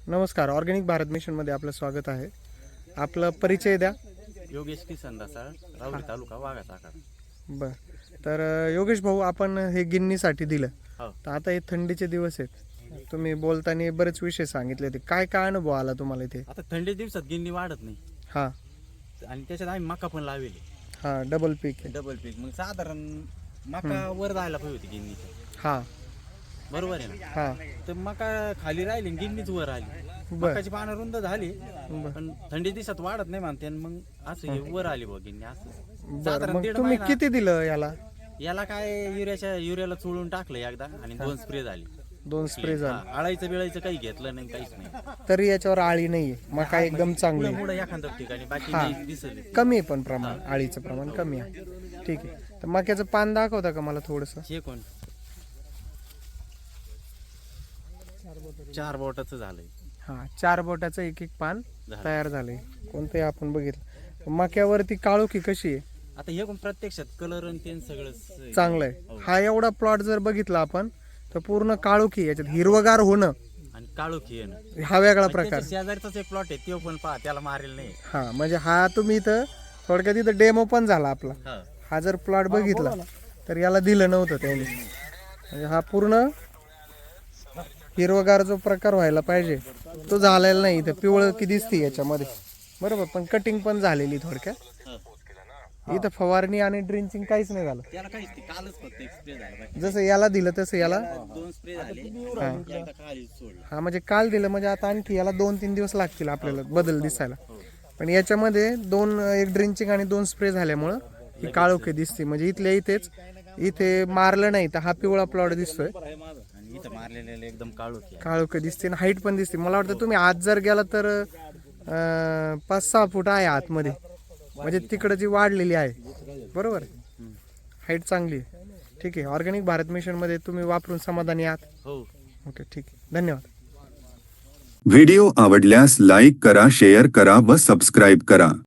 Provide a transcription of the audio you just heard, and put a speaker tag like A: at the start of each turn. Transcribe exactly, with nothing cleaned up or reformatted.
A: नमस्कार, ऑर्गॅनिक भारत मिशनमध्ये आपलं स्वागत आहे. आपला परिचय द्या.
B: योगेश किसन दासाळ, राहुरी तालुका वाघा चाकण.
A: बर तर अ, योगेश भाऊ, आपण हे गिन्नीसाठी दिलं.
B: हो.
A: तर आता हे थंडीचे दिवस आहेत. तुम्ही बोलताना बरेच विषय सांगितले होते. काय काय अनुभव आला तुम्हाला इथे?
B: आता थंडी दिवसात गिन्नी वाढत नाही
A: हां
B: आणि त्याच्यात आम्ही मका पण लावले
A: हां डबल पीक आहे.
B: डबल पीक. मग साधारण मका वर जायला पाहिजे होती गिन्नीची,
A: हां
B: बरोबर आहे ना?
A: हां
B: तर मका खाली राहिली आणि गिन्नीच वर आली.
A: बर
B: मकाची पानं रुंद झाली
A: बर
B: पण थंडी दिवसात वाढत नाही म्हणते आणि मग असं हे वर आली बघ गिन्नी असं.
A: बर
B: साधारण
A: मग
B: दीड
A: तुम्ही
B: महिना
A: किती दिलं याला?
B: याला काय युरियाच्या युरियाला चोळून टाकलं एकदा आणि दोन स्प्रे झाली.
A: दोन स्प्रे झाले
B: हा, आळायचं बिळायचं काही घेतलं नाही, काहीच नाही.
A: तरी याच्यावर आळी नाहीये. मका एकदम चांगली आहे.
B: पुढे एखाद्या ठिकाणी बाकी
A: हा.
B: नाही दिसत.
A: कमी आहे पण प्रमाण, आळीचं प्रमाण कमी आहे. ठीक आहे. तर मक्याचं पान दाखवता का मला थोडंसं?
B: हे कोण चार बोटाचं झालंय.
A: हां चार बोटाचं एक एक पान
B: झालं.
A: तयार झाले. कोणते आपण बघितलं. मक्यावरती काळोखी कशी आहे?
B: आता हे कोण प्रत्यक्षात कलर आणि ते सगळं
A: चांगलं आहे. हा एवढा प्लॉट जर बघितला आपण तर पूर्ण काळोखी, याच्यात हिरवगार होणं
B: आणि काळोखी आहे ना.
A: हा वेगळा
B: आणि
A: प्रकार.
B: त्याच्या शेजारचाच एक प्लॉट आहे, तो पण पहा, त्याला मारेल नाही.
A: हा म्हणजे हा तुम्ही इथं थोडक्यात इथं डेमो पण झाला आपला.
B: हा.
A: हा जर प्लॉट बघितला तर याला दिलं नव्हतं त्यांनी. म्हणजे हा पूर्ण हिरवगार जो प्रकार व्हायला पाहिजे तो झालेला नाही. इथं पिवळ की दिसते याच्यामध्ये, बरोबर. पण कटिंग पण झालेली थोडक्यात.
B: हा.
A: इथं फवारणी आणि ड्रिंचिंग काहीच नाही झालं.
B: त्याला काहीच नाही, कालच फक्त एक स्प्रे झाला बाकी.
A: जसं याला दिलं तसं याला.
B: दोन स्प्रे झाले,
A: हा.
B: एकदा खाली सोडलं.
A: हा म्हणजे काल दिलं म्हणजे आता आणखी याला दोन तीन दिवस लागतील आपल्याला बदल दिसायला.
B: हो.
A: पण याच्यामध्ये दोन एक ड्रिंचिंग आणि दोन स्प्रे झाल्यामुळं ही काळोखी दिसते. म्हणजे इथल्या इथेच, इथे मारलं नाही तर हा पिवळा प्लॉट दिसतोय.
B: आणि इथं मारलेले एकदम काळोखी आहे.
A: काळोखी दिसते आणि हाईट पण दिसते. मला वाटतं तुम्ही आत जर गेला तर अं, पाच सहा फूट आहे आतमध्ये. म्हणजे तिकडं जी वाढलेली आहे, बरोबर. हाईट चांगली आहे. ठीक आहे. ऑर्गॅनिक भारत मिशनमध्ये तुम्ही वापरून समाधानी आहात?
B: हो.
A: ओके, ठीक आहे. धन्यवाद.
C: व्हिडिओ आवडल्यास लाईक करा, शेअर करा व सबस्क्राईब करा.